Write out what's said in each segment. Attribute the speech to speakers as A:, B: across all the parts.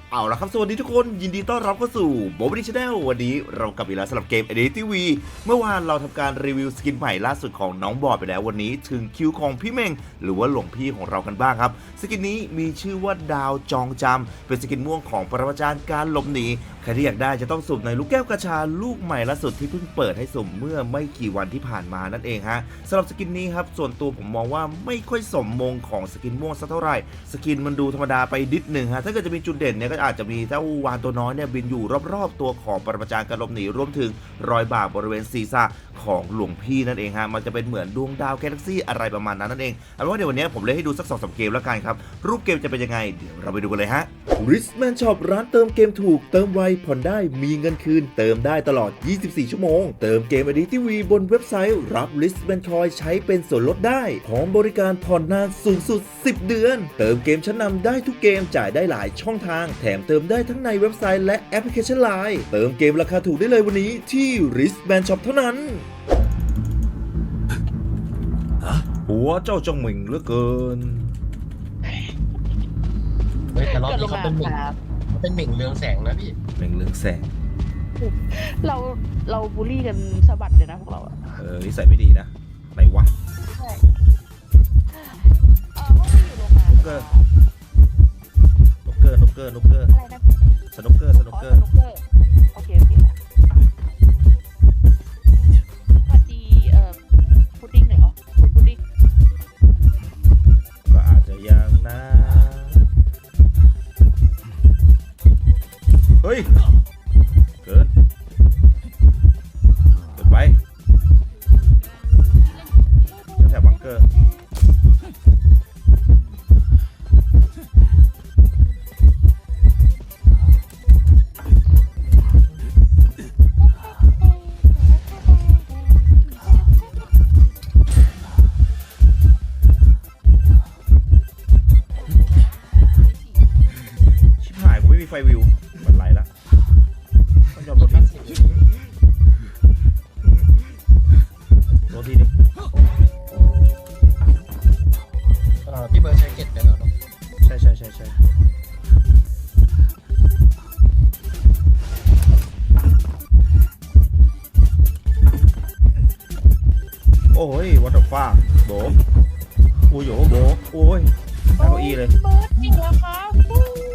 A: เอาละครับสวัสดีทุกคนยินดีต้อนรับเข้าสู่โบว์ดี้ชาแนลวันนี้เรากลับอีกแล้วสำหรับเกม ADTV เมื่อวานเราทำการรีวิวสกินใหม่ล่าสุดของน้องบอดไปแล้ววันนี้ถึงคิวของพี่เมงหรือว่าหลวงพี่ของเรากันบ้างครับสกินนี้มีชื่อว่าดาวจองจำเป็นสกินม่วงของปรมาจารย์การหลบหนีใครที่อยากได้จะต้องสุ่มในลูกแก้วกระชาลูกใหม่ล่าสุดที่เพิ่งเปิดให้สุ่มเมื่อไม่กี่วันที่ผ่านมานั่นเองฮะสำหรับสกินนี้ครับส่วนตัวผมมองว่าไม่ค่อยสมมงของสกินม่วงสักเท่าไหร่สกินมันดูธรรมดาไปนิดหนึ่งฮะถ้าเกิดจะมีจุดเด่นเนี่ยก็อาจจะมีเจ้าวานตัวน้อยเนี่ยบินอยู่รอบๆตัวของปรมาจารย์การหลบหนีรวมถึงรอยบากบริเวณศีรษะของหลวงพี่นั่นเองฮะมันจะเป็นเหมือนดวงดาวแกลเล็กซี่อะไรประมาณนั้นนั่นเองเอาเป็นว่าเดี๋ยววันนี้ผมเลยให้ดูสัก2-3เกมแล้วกันครับรูปเกมจะเป็นยังไงเดี๋ยวเราไปดูกันเลยฮะ Richman Shop ร้านเติมเกมถูกเติมไวผ่อนได้มีเงินคืนเติมได้ตลอด24ชั่วโมงเติมเกม ADTV บนเว็บไซต์รับ Richman Coin ใช้เป็นส่วนลดได้พร้อมบริการผ่อนนานสูงสุด10เดือนเติมเกมชั้นนำได้ทุกเกมจ่ายได้หลายช่องทางแถมเติมได้ทั้งในเว็บไซต์และแอปพลิเคชัน LINE เติมเกมราคาถูกได้เลยวันนี้ที่ Richman Shop เท่านั้นหัวเจ้าจงหมิงเหลือเกิน
B: เฮ้ยแต่รอบนี้เขาเป็นเหม่งเรืองแสงนะพี่
A: หมิงเรืองแสง
C: เราบูลลี่กันสะบัดเลยนะพวกเราอะ
A: นิสัยไม่ดีนะไหนวะ
C: ใช่ห้องที่อยู่โรงงาน
A: นกเกอร์
C: อะไรนะ
A: สนุกเกอร์
C: สนุกเกอร์โอเคค่ะสวัสดีพุดดิ้งหน่อยเหรอคุณพุดดิ้ง
A: ก็อาจจะยังนะเฮ้ยเกินไปแถวบังเกอร์ชิบหายกูไม่มีไฟวิวมันไหลละต้องยอมโดนทีนึง
B: พี่เบิร์ดใช้เก็ตไปแล้วเนาะ
A: ใช่โอ้ยวัตถุฟ้าโบโอ้ยโบโอ้ยนั่งเก้าอี้เลย
C: เบิร์ดจริงเหรอคะฟู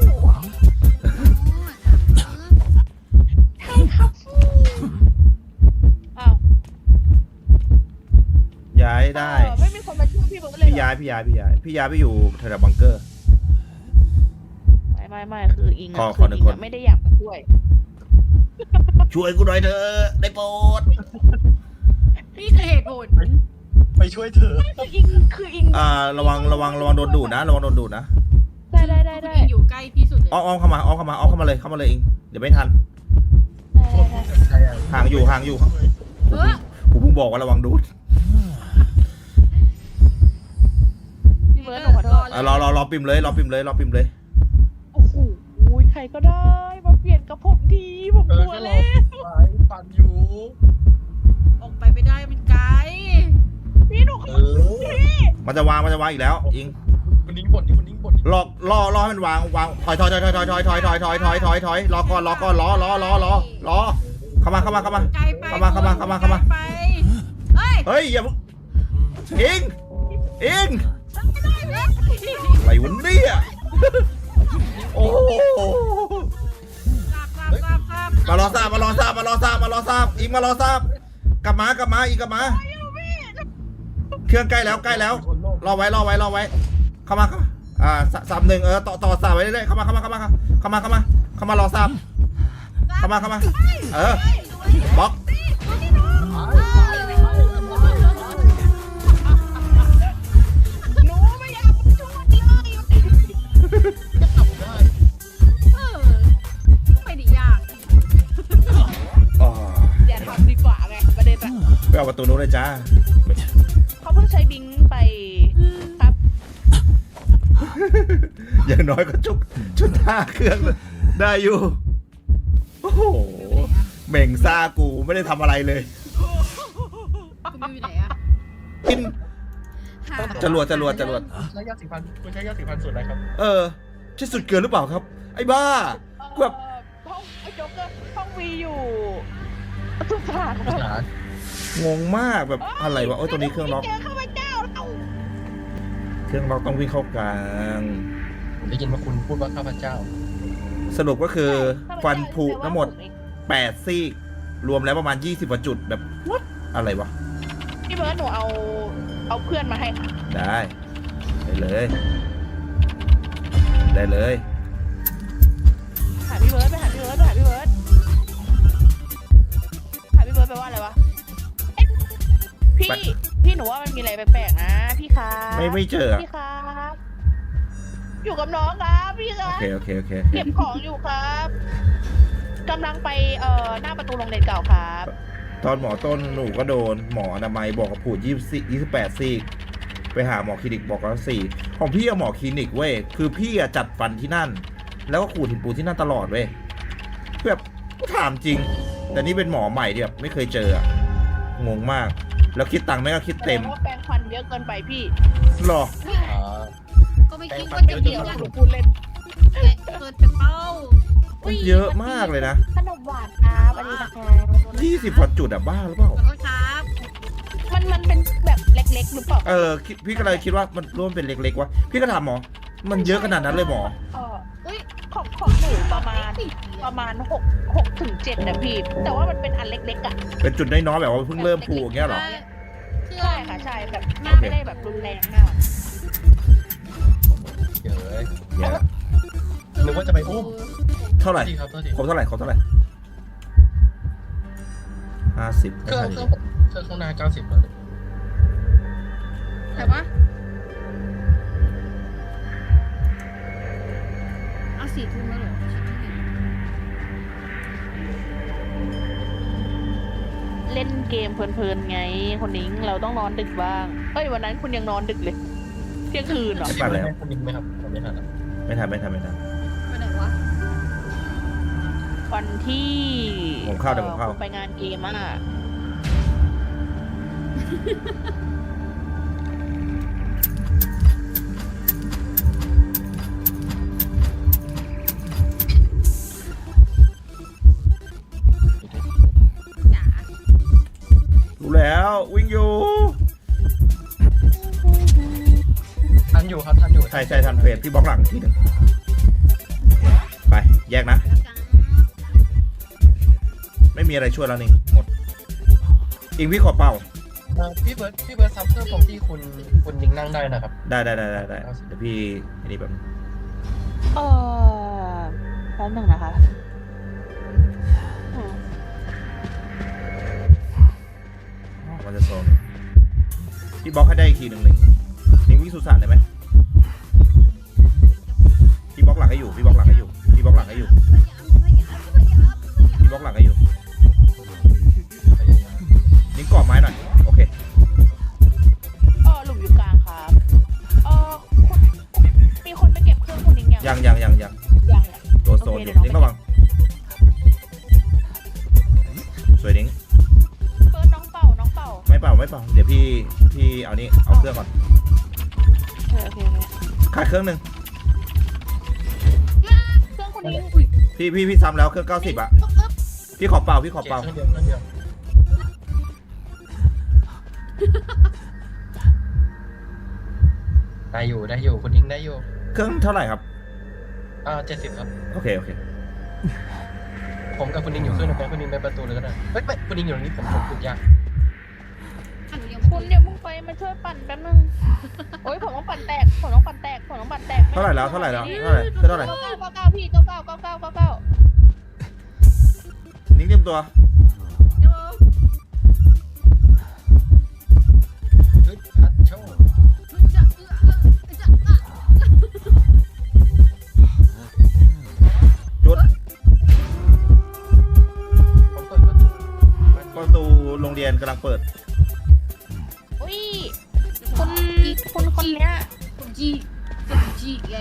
C: ใช่ครับฟูอ้าว
A: ย้ายได้
C: ไม่มีคนมาช่วยพี่เบิร์ดเลย
A: พี่ย้ายไปอยู่แถวบังเกอร์
C: ไม่คืออิง
A: ขอ
C: คือ
A: หนึ่
C: อิ
A: ง
C: ง
A: คน
C: ไม่ได้อยากมาช่วย
A: ช่วยกูหน่อยเถอะได้โปรด
D: นี่คือเหตุผล
B: ไปช่วยเธอ
C: คืออิง
A: ระวังโดนดูดนะระวังโดนดูดนะ
C: ได้
D: คุณอิงอยู่ใกล้ที่สุดเลย
A: อ้อมเข้ามาเลยเองเดี๋ยวไม่ทัน
B: ใช่อะ
A: ห่างอยู่
D: เออ
A: กูเพิ่งบอกว่าระวังดูด
C: พี่เบิร์ดหนูขอโทษ
A: รอปิมเลย
C: โอ้โหใครก็ได้มาเปลี่ยนกับผมทีผมกลัว
B: ก็ร
C: เล
B: อย ปั่นอยู่
D: ออกไปไม่ได้เป็นไกล
C: พี่หนูขอโทษพี่
A: มันจะวางอีกแล้วอิง
B: คุณนิ้งบ่นดิคุณนิ้งบ่นดิ
A: รอให้มันวางถอยรอก่อนรอเข้ามา
D: ไกลไป ไปเฮ้ย
A: เฮ้ยอย่าอิงอะไรวะเนี่ยโอ้มารอทราบอิงมารอทราบกลับมาอีกกลับมาเครื่องใกล้แล้วรอไว้เข้ามา31ต่อสามไว้เรื่อยๆเข้ามารอทราบเข้ามาบล็อก
C: หนูไม่อยากมาช่วยเลย
D: ไม่ได้ยาก
C: อย่าทำดีกว่าไงประเด็นอะ
A: ไปเอาประตูนู้นเลยจ้า
C: เขาเพิ่งใช้บิงไปครับ
A: อย่างน้อยก็ชุดท่าเครื่องได้อยู่โอ้โหเหม่งซ่ากูไม่ได้ทำอะไรเลย
D: คุณอยู่ไหนอะ
A: กิน
D: หา
A: จรวด
B: ใช้ยาสีฟันคุณใช้ยาสีฟันส่วนอะไรครับ
A: เออใช่สุดเกินหรือเปล่าครับ ไอ้บ้า แบบ
C: ห้องไอ้โจ๊กเกอร์ห้องวีอยู่สุสานครับ
B: ฐาน
A: งงมากแบบอะไรวะโอ้ยตัวนี้เครื่องล็อก
C: เจอข้าพเจ้าเรา
A: เครื่องล็อกต้องวิ่งเข้ากลาง
B: ผมได้ยินว่าคุณพูดว่าข้าพเจ้า
A: สรุปก็คือฟันผุทั้งหมด8ซี่รวมแล้วประมาณ20กว่าจุดแบบ what อะไรวะ
C: พี่เบิร์ดหนูเอาเพื่อนมาให้ค่ะ
A: ได้เลย ได้เลย
C: หาพี่เบิร์ดไปหาพี่เบิร์ดไปหาพี่เบิร์ดหาพี่เบิร์ดแปลว่าอะไรวะเอ๊ะพี่หนูว่ามันมีอะไรแปลกๆนะพี่ครับ
A: ไม่เจออะ
C: พี่ครับอยู่กับน้องครับพี่ค
A: โอ
C: รับ
A: เคโอเคโอเค
C: เก็บของอยู่ครับกำลังไปหน้าประตูโรงเรียนเก่าครับ
A: ตอนหมอต้นหนูก็โดนหมออนามัยบอกกับผูด28ซี่ไปหาหมอคลินิกบอกว่า4ของพี่อะหมอคลินิกเว้ยคือพี่อะจัดฟันที่นั่น แล้วก็ขูดหินปูนที่นั่นตลอดเว้ยแบบก็ถามจริง แต่นี่เป็นหมอใหม่ที่แบบไม่เคยเจออะงงมาก แล้วคิดตังค์ไม่ก็คิดเต็ม
C: แสดงว่าแปรงฟันเยอะเกินไปพี่
A: หรอ
B: อ่า
E: ก็ไม่คิดว่าจะเกี่ยว
C: ห
E: กับ
C: นูพูดเล่น
E: เกิดเป็นเป้า
A: มันเยอะมากเลยนะ
C: ขนมหวานครับอันนี้นะคะ
A: 20กว่าจุดอะบ้าหรือเปล่า
E: ขอโทษครับ
C: มันเป็นแบบเล็กๆหรือเปล่า
A: พี่ก็เลยคิดว่ามันร่วมเป็นเล็กๆวะพี่ก็ถามหมอ มันเยอะขนาดนั้นเลยหมอ
E: อุ้ย
C: ของหนูประมาณ6 ถึง 7นะพี่ แต่ว่ามันเป็นอันเล็กๆอ่ะ
A: เป็นจุดน้อยๆแบบว่าเพิ่งเริ่มผูอย่างเงี้ยเหรอ
E: เครื่อ
C: ใช่
E: ง
C: ค่ะใช่แบบ
E: โอเค
C: ไม่ได้แบบรุนแรงมาก
B: เดี๋ยวเลย
A: แย่ละ
B: นึกว่าจะไปอุ้ม
A: เท่าไหร่
B: ดีครับโทษที
A: ครบเท่าไหร่50
B: เครื่องข้างหน้า90แล้ว
E: แต่ว่าเอา4 ทุ่มแล้วเหรอ
C: เล่นเกมเพลินๆไงคนนิ้งเราต้องนอนดึกบ้างเอ้ยวันนั้นคุณยังนอนดึกเลยเที่ยงคืนเหรอ
B: จะไปแล้วคุณนิงไหมครับผมไม่ทันแล้ว
A: ไม่ทัน
E: ไปไหนวะ
C: วันที่
A: ผมเข้าเดี๋ยวผมเข้า
C: คุณไปงานเกมอ่ะ
E: จ๋า
A: รู้แล้ววิ่งอยู่
B: ทันอยู่ครับทันอยู่
A: ใช่ทันเฟสพี่บล็อกหลังทีหนึ่งไปแยกนะ
E: แล้วกัน
A: ไม่มีอะไรช่วยแล้วนี่หมดอิงพี่ขอเป่า
B: พี่เบิร์ดซับเครื่องตรงที่คุณนิงนั่งได้นะครับ
A: ได้เดี๋ยวพี่อันนี้แบบ
C: แป๊บหนึ่งนะคะอืม
A: มันจะโซนพี่บล็อกให้ได้อีกทีหนึ่งนิ่งวิ่งสุสานได้ไหมพี่บล็อกหลังให้อยู่พี่บล็อกหลังให้อยู่พี่บล็อกหลังให้อยู่พี่บล็อกหลังให้อยู่นิ่งกรอบไม้หน่อยโอเค
C: หลุมอยู่กลางครับมีคนไปเก็บเครื่องคุณนิ้งยัง
A: ยัง
C: ยัง
A: ตัวโซนอยู่นิ่งระวังสวยนิ่ง
C: เปิดน้องเป่า
A: ไม่เป่าเดี๋ยวพี่เอานี่เอาเครื่องก่อน
C: โอเค
A: ขาดเครื่องหนึ่ง
C: เครื่องคุณนิ้ง
A: พี่ซ้ำแล้วเครื่อง90อะพี่ขอเป่า
B: เครื่องเดียวได้อยู่คุณนิงได้อยู่
A: เครื่องเท่าไหร่ครับ
B: 70ครับ
A: โอเค
B: ผมกับคุณนิงอยู่เครื่องนึงคุณนิงไปประตูเลยก็ได้เฮ้ยไม่คุณนิงอยู่ตรงนี้ผมขุดยาก
C: คุณเดี๋ยวมึงไปมาช่วยปั่นแป๊บนึงโอ้ยผมต้องปั่นแตก
A: เท่าไหร่แล้วเท่าไหร่
C: 99พี่99
A: นิ่งเตรียมตัว
B: เฮ้ยฮัทโชว์
A: จุด
B: ผมเปิดประตู
A: ประตูโรงเรียนกำลังเปิด
C: อุ้ยคุณคนเนี้ย
E: ผมจีไง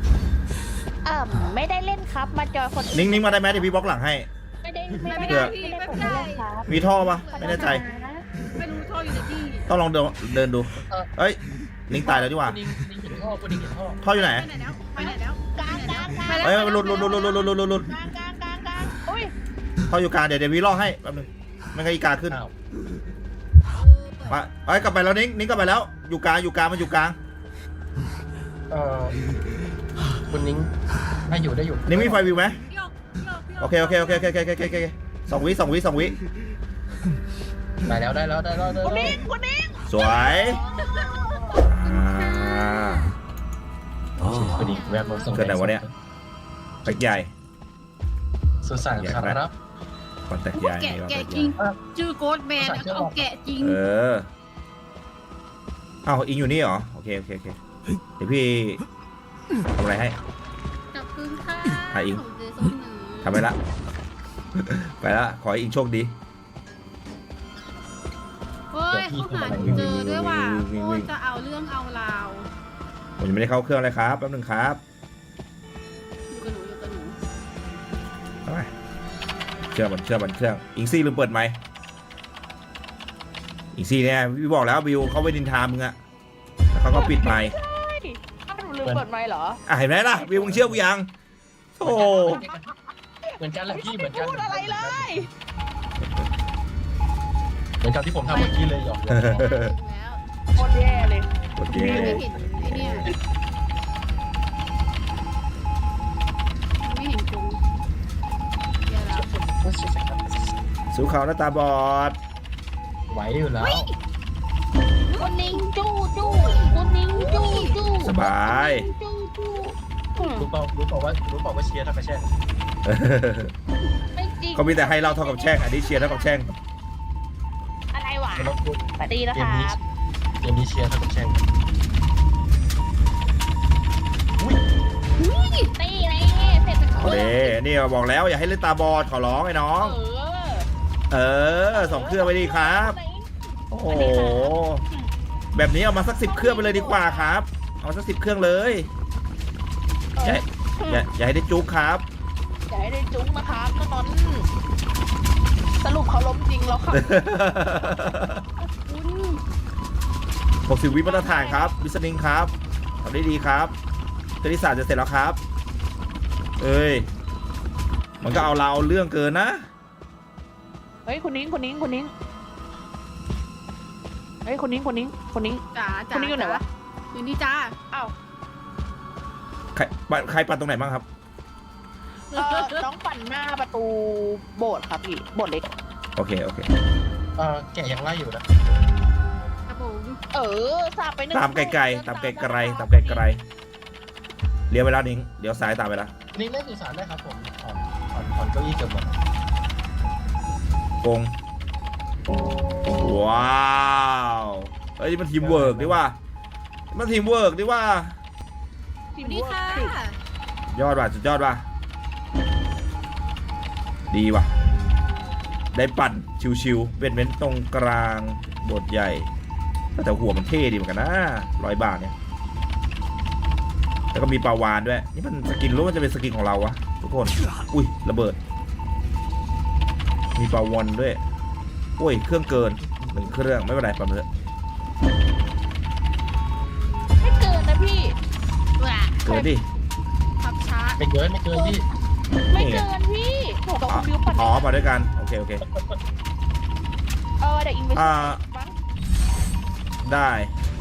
C: ไม่ได้เล่นครับมาจอยคน
A: นิ่งมาได้ไหมเดี๋ยวพี่บล็อกหลังให้
C: ไม่ได้
E: ไม่
C: ไม่
E: ได้
C: ได้
E: พี่
C: ไม่ได้
E: ไม่
C: ผม
E: ได้
C: ไม่เล่นครับ
A: มีท่อปะไม่แน่ใจ
E: ไม่รู้ท่ออยู่ในที่
A: ต้องลองเดินดูเอ้ยนิ่งตายแล้วดีกว่า
B: คุณนิงเห็นท่อ
A: ท่ออยู่ไหน
E: ไปไหนแล้ว
C: กลาง
E: แล้ว
A: เอ้ยหลุด
C: กลางอุ้ย
A: เขาอยู่กลางเดี๋ยววีล่อให้แป๊บนึงไม่งั้นอีกาขึ้น
B: อ้าว
A: มาเอ้ยกลับไปแล้วนิ้งกลับไปแล้วอยู่กลางมันอยู่กลาง
B: เออคุณนิ้งได้อยู่
A: นิ้งมีไฟวิวไหม
E: โยก
A: โอเคสองวิ
B: ได้แล้ว
C: คนนี้
A: สวยอ่า
B: คุณนิ้งแวะมาส่ง
A: เกิดไหนวะเนี่ยแตกใหญ่
B: สุสานครับ
A: ก่อนแตกใหญ่
E: แกะ
A: นี่ก่อน
E: แกะ
A: แตกให
E: จริ
A: ญ่
E: งชื่อโกดแมนเอาแกะจริง
A: เอ้าอิงอยู่นี่เหรอโอเคเดี๋ยวพี่ทำอะไรให้
E: จับกึ่งค่ะ
A: อ่ะอิง
E: ของเจสันหนึ่ง
A: ทำไปละ ไปละขอให้อิงโชคดี
E: เฮ้ยเขาหาเจอด้วยว่ะโคตรจะเอาเรื่องเอาราว
A: ผมยังไม่ได้เข้าเครื่องเลยครับแป๊บนึงครับ
E: อยู่กับหนู
A: เอาไปเชื่อมันเครื่องอิงซี่ลืมเปิดไมค์อิงซี่เนี่ยพี่บอกแล้วบิวเขาไปดินทามึงอะแล้วเขาก็ปิดไมค์
C: อ้าวหนูลืมเปิดไมค์เหรอ
A: เห็นไหมล่ะบิวมึงเชื่อกูยังโอ้
B: เหมือนกันแหละพี่เหมือนกัน
C: พูดอะไรเลย
B: เหมือนกับที่ผมทำเมื่อกี้เลยหยอก
E: แล้ว
C: โคตรแย่เลย
A: โอเค
E: ไม่เห็นไอ้เนี่ยไม่เห็นจุงเดี๋ยวแล้ว
A: สู้เขาหน้าตาบอด
B: ไหวอยู่แล้ว
C: คนนิ้งจู้คนนิ้งจู้
A: สบาย
B: รู้เปล่าว่าเชียร์ทักกระแช่ง
C: ไม่จริง
A: เขามีแต่ให้เราเท่ากับแช่งอันนี้เชียร์เท่ากับแช่ง
C: อะไรวะ
B: มันต้องพูด
C: สวัสดีนะ
B: เก
C: ค
B: ม
C: รั
B: นี้
C: บ
B: เกมนี้เชียร์ทักกระแช่ง
C: ตีอะไรเสร็จเป็น
A: โอเคนี่บอกแล้วอย่าให้เล่นตาบอดขอร้องไอ้น้อง สองเครื่องไปดีครับ โอ้โหแบบนี้เอามาสัก10 เครื่องไปเลยดีกว่าครับ เอามาสัก10 เครื่องเลยอย่าให้ได้จุกครับ
C: อย่าให้ได้จุ้งนะครับตอนนั้นสรุปเขาล้มจริงแล้วค่ะคุณ
A: 60 วิมาตรฐานครับวิสนิงครับทำได้ดีครับคณิตศาสตร์จะเสร็จแล้วครับ เอ้ยมันก็เอาเราเรื่องเกินนะ
C: เฮ้ยคนนิ้งเฮ้ยคนนิ้ง
E: จ๋า
C: คนนิ้งอยู่ไหนวะ
E: อยู่นี่จ้า
C: อ้าว
A: ใครปั่นตรงไหนบ้างครับ
C: น้องปั่นหน้าประตูโบสถ์ครับพี่โบสถ์เล็ก
A: โอเค
B: แกยังไล่อยู่นะ
E: ครับผม
C: สาบไปหนึ่ง
A: ตามไกลๆเลี้ยวไปแล้วนิ้งเดี๋ยวซ้ายตามไปแล้ว
B: นี่เล่นสุสานได้ครับผมถอนเก้าอี้เกือบหมด
A: กงว้าวเฮ้ยมันทีมเวิร์กดิว่า
C: ทีม
E: สวัสดี
C: เวิร์
E: ค่ะ
C: กสิ
A: ยอดว่ะสุดยอดว่ะดีว่ะได้ปั่นชิวๆเป็นเว้นตรงกลางบทใหญ่แต่หัวมันเท่ดีเหมือนกันนะ100 บาทเนี่ยแล้วก็มีปลาวานด้วยนี่มันสกินรู้ว่าจะเป็นสกินของเราวะทุกคนอุ้ยระเบิดมีปลาวานด้วยโอ้ยเครื่องเกิน1 เครื่องไม่เป็นไรปั่นเถอะ
C: ไม่เกินนะพี่
E: ว้า
A: เกินดิ
E: ขับช้า
B: ไม่เกินพี่
C: ไม่เกินพี่โหกับคุณบิวปั่น
A: มาด้วยกันโอเค
C: เดี๋ยวอิงไปมั้ง
A: ได้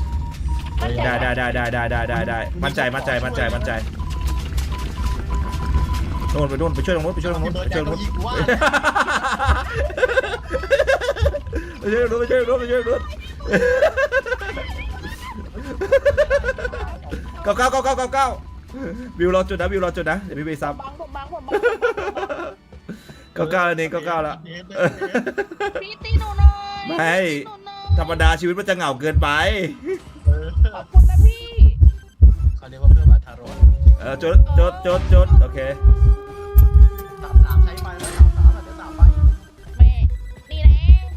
A: มั่นใจโน่นไปโน่นไปช่วยตรงโน้นไปช่วยตรงโน้นไปช่วยตรงโน้นเก้าวิวรอจุดนะเดี๋ยวพี่ไปซับ
C: บัง
A: เก้าแล้วนี่เก้าแล้ว
C: พี่ตีหนูหน่อย
A: ไม่ธรรมดาชีวิตมันจะเหงาเกินไป
C: ขอบคุณนะพี่
B: เขาเรียกว่าเพื่อนมาทารอน
A: จดโอเค
B: 3ใช้ไปแล้ว3เดี๋ยว3ไป
C: แม่นี่แหละ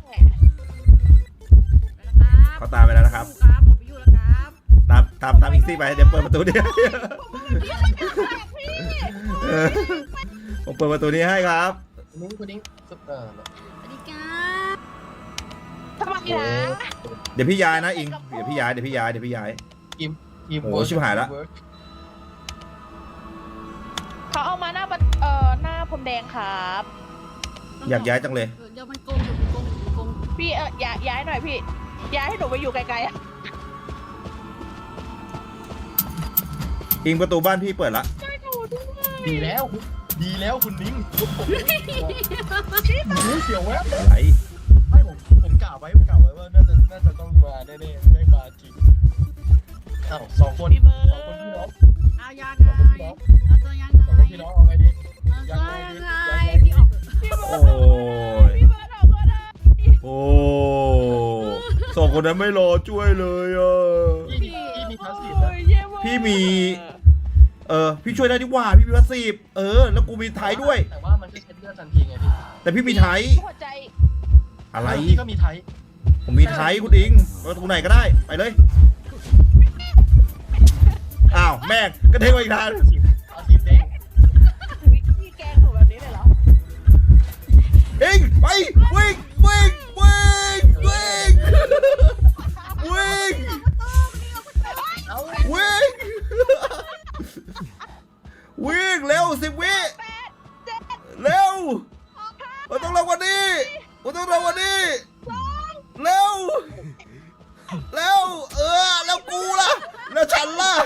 A: เขาตามไปแล้วนะครับ
E: ครับผมไปอยู่แล้วครับ
A: ตามอีกซี่ไปเดี๋ยวเปิดประตูนี้ผมเปิดประตูนี้ให้ครับ
B: คุณนิ้ง
E: สวัสดีครับ
C: ทำไมนะ
A: เดี๋ยวพี่ย้ายนะอิงเดี๋ยวพี่ย้ายโอ้ชิบหายละ
C: เขาเอามาหน้าหน้าพรมแดงครับ
A: อยากย้ายจังเลย
E: เดี๋ยวมันโกงเดี๋ยวมันโกงเดี๋ยวมันโกง
C: พี่ย้ายหน่อยพี่ ย้ายให้หนูไปอยู่ไกลๆอะ
A: อิงประตูบ้านพี่เปิดละ
B: ดีแล้วคุณนิ้งเสียวแวบ
A: อะไร
B: ไม่ผมกล่าวไว้ว่าน่าจะต้องมาแน่ๆไม่มาจริงอ้าวสองคน
C: พี่เบิร์ด
B: พี่น้อง
E: เอายังไงเอาตัวยัง
B: สอง
E: ไง
B: คนพี่น้องเอาไงดี
E: เอาตัวยังไงพี่ออกเถอะ
C: พี่เบิ
A: โอ้
C: ร์ด
A: ย
C: พี่เบิร์ดออกก็ได้
A: โอ้สองคนนั้นไม่รอช่วยเลยอ่ะ
B: พี่มีพาสซีฟ
C: โอ้
B: นะ
C: ยเย่มาก
A: พี่มี พี่ช่วยได้ดีกว่าพี่มีวัคซีนแล้วกูมีไทยด้วย
B: แต่ว่ามันก็ใช้เลือดทันทีไงพี่
A: แต่พี่มีไทย
C: หัวใจ
A: อะไร
B: พี่ก็มีไทย
A: ผมมีไทยคุณอิงประตูไหนก็ได้ไปเลยอ้าวแม่งก็เทงไปอีกทาง
B: พาสซีฟเด้ง
C: พี่แกล้งหนูแบบนี้เลยเหรอ
A: อิงไปวิ่งวิ่งวิ่งวิ่งวิ่ง
B: เอ้า
A: วิ่งวิ่งเร็ว10 วิเร็วเราต้องเร็วกว่านี้เราต้องเร็วกว่านี้เร็วแล้วกูล่ะแล้วฉันล่ะ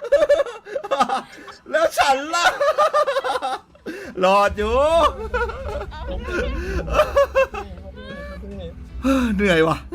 A: แล้วฉันล่ะรอดอยู่เหนื่อยว่ะ